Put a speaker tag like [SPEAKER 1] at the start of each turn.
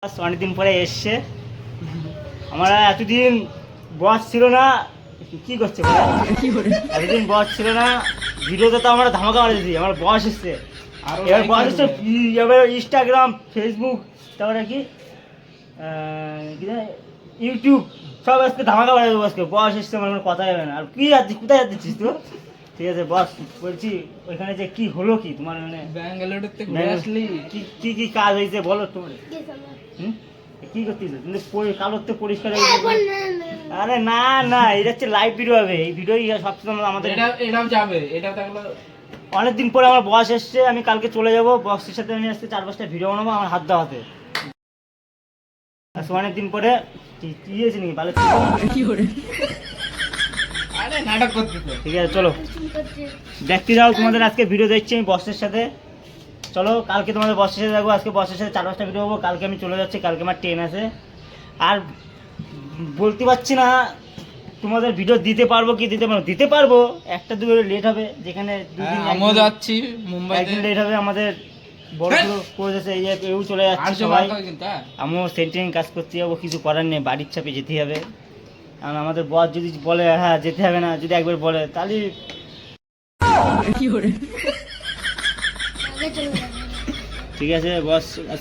[SPEAKER 1] অনেকদিন পরে এসছে। আমরা এতদিন বস ছিল না, কি করছে এতদিন বস ছিল না, ভিডিওতে তো আমরা ধামাকা মারেছি। আমার বস এসছে, এবার বস এসছে, এবার ইনস্টাগ্রাম, ফেসবুক, তারপরে কি ইউটিউব সব আজকে ধামাকা মারে দেবো। আজকে বস এসছে, আমার কোনো কথা যাবে না। আর কি যাচ্ছিস, কোথায় যাচ্ছিস তো? ঠিক আছে বস, বলছি ওইখানে যে কি হলো, কি তোমার মানে
[SPEAKER 2] ব্যাঙ্গালোর থেকে ঘুরে আসলি?
[SPEAKER 1] কি কি কাজ হয়েছে বলো তোমার। কি করছিস কিন্তু কালোর তো পরিষ্কার হয়ে গেছে। আরে না না, এটা হচ্ছে লাইভ ভিডিও হবে। এই ভিডিও সবসময় আমাদের
[SPEAKER 2] এটাও যাবে, এটাও থাকলো।
[SPEAKER 1] অনেকদিন পরে আমার বস এসছে, আমি কালকে চলে যাবো। বসের সাথে আমি আজকে 4-5টা ভিডিও বানাবো আমার হাত দেওয়াতে। আজকে অনেকদিন পরে কি হয়েছে নাকি ভালো কি করে।
[SPEAKER 2] আরে নাটক করতেছে।
[SPEAKER 1] ঠিক আছে চলো দেখতে যাও, তোমাদের আজকে ভিডিও দেখছি আমি বসের সাথে। চলো কালকে তোমাদের বসের সাথে দেখবো, আজকে বসের সাথে 4-5টা ভিডিও হবো। কালকে আমি চলে যাচ্ছি, কালকে আমার ট্রেন আছে। আর বলতে পারছি না তোমাদের ভিডিও দিতে পারবো কি দিতে পারবো, একটা দুটো লেট হবে। যেখানে দুদিন
[SPEAKER 2] আমিও যাচ্ছি মুম্বাই,
[SPEAKER 1] একদিন লেট হবে। আমাদের বড় কোচ আছে, এই এও চলে যাচ্ছে সবাই। আমিও সেন্টারিং কাজ করতে যাবো, কিছু করার নেই, বাড়ির চাপে যেতে হবে। কারণ আমাদের বস যদি বলে হ্যাঁ যেতে হবে না, যদি একবার বলে তাহলে কি করে। ঠিক আছে বস